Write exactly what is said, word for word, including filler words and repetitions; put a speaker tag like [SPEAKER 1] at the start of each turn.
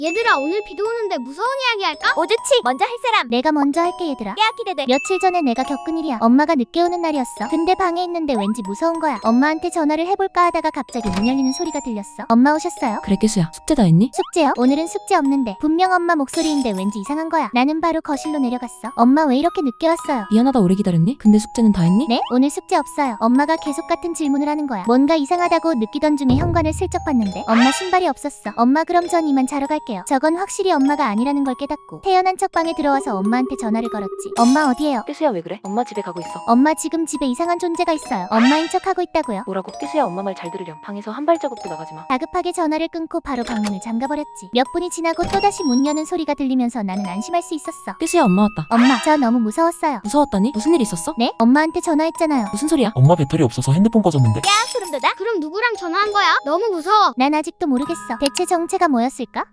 [SPEAKER 1] 얘들아, 오늘 비도 오는데 무서운 이야기 할까?
[SPEAKER 2] 오 좋지. 먼저 할 사람.
[SPEAKER 3] 내가 먼저 할게 얘들아.
[SPEAKER 2] 야 기대돼.
[SPEAKER 3] 며칠 전에 내가 겪은 일이야. 엄마가 늦게 오는 날이었어. 근데 방에 있는데 왠지 무서운 거야. 엄마한테 전화를 해볼까 하다가 갑자기 문 열리는 소리가 들렸어. 엄마 오셨어요?
[SPEAKER 4] 그래 깨수야, 숙제 다 했니?
[SPEAKER 3] 숙제요? 오늘은 숙제 없는데 분명 엄마 목소리인데 왠지 이상한 거야. 나는 바로 거실로 내려갔어. 엄마 왜 이렇게 늦게 왔어요?
[SPEAKER 4] 미안하다 오래 기다렸니? 근데 숙제는 다 했니?
[SPEAKER 3] 네? 오늘 숙제 없어요. 엄마가 계속 같은 질문을 하는 거야. 뭔가 이상하다고 느끼던 중에 현관을 슬쩍 봤는데 엄마 신발이 없었어. 엄마 그럼 전 이만 자러 갈게요. 저건 확실히 엄마가 아니라는 걸 깨닫고 태연한 척 방에 들어와서 엄마한테 전화를 걸었지. 엄마 어디에요?
[SPEAKER 5] 깨수야 왜 그래? 엄마 집에 가고 있어.
[SPEAKER 3] 엄마 지금 집에 이상한 존재가 있어요. 엄마인 척 하고 있다고요.
[SPEAKER 5] 뭐라고? 깨수야 엄마 말 잘 들으렴. 방에서 한 발자국도 나가지 마.
[SPEAKER 3] 다급하게 전화를 끊고 바로 방문을 잠가버렸지. 몇 분이 지나고 또다시 문 여는 소리가 들리면서 나는 안심할 수 있었어.
[SPEAKER 4] 깨수야 엄마 왔다.
[SPEAKER 3] 엄마, 저 너무 무서웠어요.
[SPEAKER 4] 무서웠다니? 무슨 일 있었어?
[SPEAKER 3] 네? 엄마한테 전화했잖아요.
[SPEAKER 4] 무슨 소리야?
[SPEAKER 6] 엄마 배터리 없어서 핸드폰 꺼졌는데.
[SPEAKER 2] 야 소름 돋아.
[SPEAKER 1] 그럼 누구랑 전화한 거야? 너무 무서워.
[SPEAKER 3] 난 아직도 모르겠어. 대체 정체가 뭐였을까?